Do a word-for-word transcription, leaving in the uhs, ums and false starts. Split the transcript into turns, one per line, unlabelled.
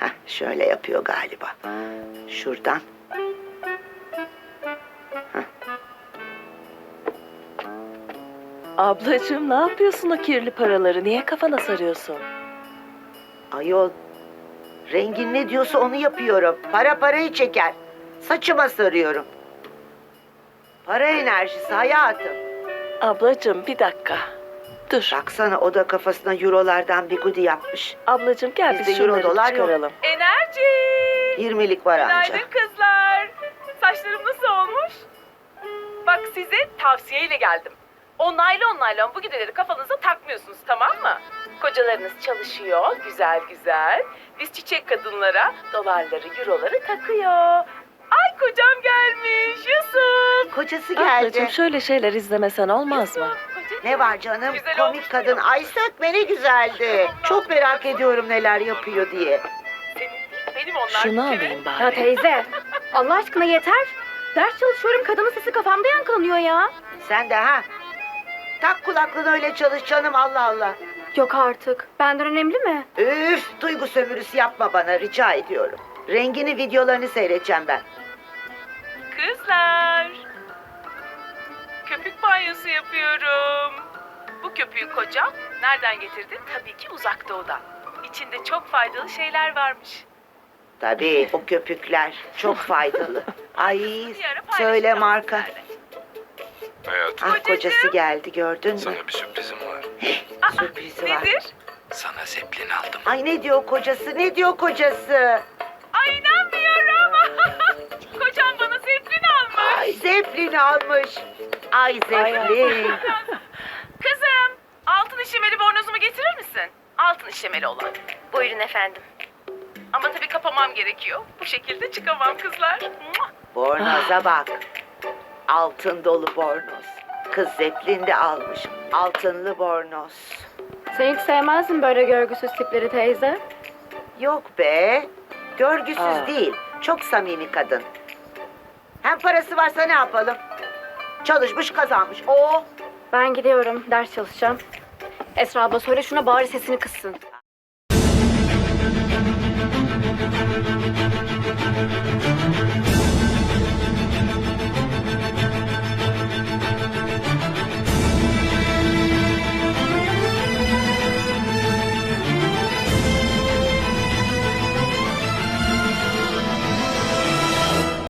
Heh, şöyle yapıyor galiba. Şuradan.
Ablacığım ne yapıyorsun o kirli paraları? Niye kafana sarıyorsun?
Ayol, rengin ne diyorsa onu yapıyorum. Para parayı çeker. Saçıma sarıyorum. Para enerjisi hayatım.
Ablacığım bir dakika. Dur.
Baksana o da kafasına eurolardan bir gudi yapmış.
Ablacığım gel
Bizde
biz
euro,
şunları
dolar yok.
çıkaralım.
Enerji!
yirmilik var anca.
Günaydın kızlar. Saçlarım nasıl olmuş? Bak size tavsiyeyle geldim. O naylon naylon bu gideleri kafanıza takmıyorsunuz, tamam mı? Kocalarınız çalışıyor güzel güzel. Biz çiçek kadınlara dolarları, euroları takıyor. Ay kocam gelmiş Yusuf.
Kocası geldi.
Ablacığım şöyle şeyler izlemesen olmaz mı?
Kocacığım.
Ne var canım?
Güzel
Komik
olmuş
kadın.
mu?
Ay sökme ne güzeldi. Çok merak ediyorum neler yapıyor diye.
Senin değil, benim onlar.
Şunu
bir kere.
alayım
Ya
bari.
teyze, Allah aşkına yeter. Ders çalışıyorum, kadının sesi kafamda yankılanıyor ya.
Sen de ha? Tak kulaklığını öyle çalış canım Allah Allah.
Yok artık. Benden önemli mi?
Üf, duygu sömürüsü yapma bana rica ediyorum. Rengini videolarını seyredeceğim ben.
Kızlar. Köpük banyosu yapıyorum. Bu köpüğü kocam nereden getirdi? Tabii ki uzak doğudan. İçinde çok faydalı şeyler varmış.
Tabii o köpükler çok faydalı. Ay
Bir ara paylaşacağım
söyle marka.
sizlerle.
Hayatım,
Ah kocası geldi gördün mü?
sana bir sürprizim var.
Aa,
Sürprizi var.
nedir?
Sana zeplin aldım.
Ay ne diyor kocası ne diyor kocası?
Ay inanmıyorum. Kocam bana zeplin almış.
Ay Zeppelin almış. Ay Zeppelin.
Kızım, altın işlemeli bornozumu getirir misin? Altın işlemeli olan.
Buyurun efendim.
Ama tabii kapamam gerekiyor. Bu şekilde çıkamam kızlar. Muah!
Bornoza bak. Altın dolu bornoz. Kız Zeppelin de almış. Altınlı bornoz.
Sen hiç sevmezdin böyle görgüsüz tipleri teyze.
Yok be. Görgüsüz
Aa.
değil. Çok samimi kadın. Hem parası varsa ne yapalım? Çalışmış kazanmış. Oo.
Ben gidiyorum, ders çalışacağım. Esra abla söyle şuna bari sesini kıssın.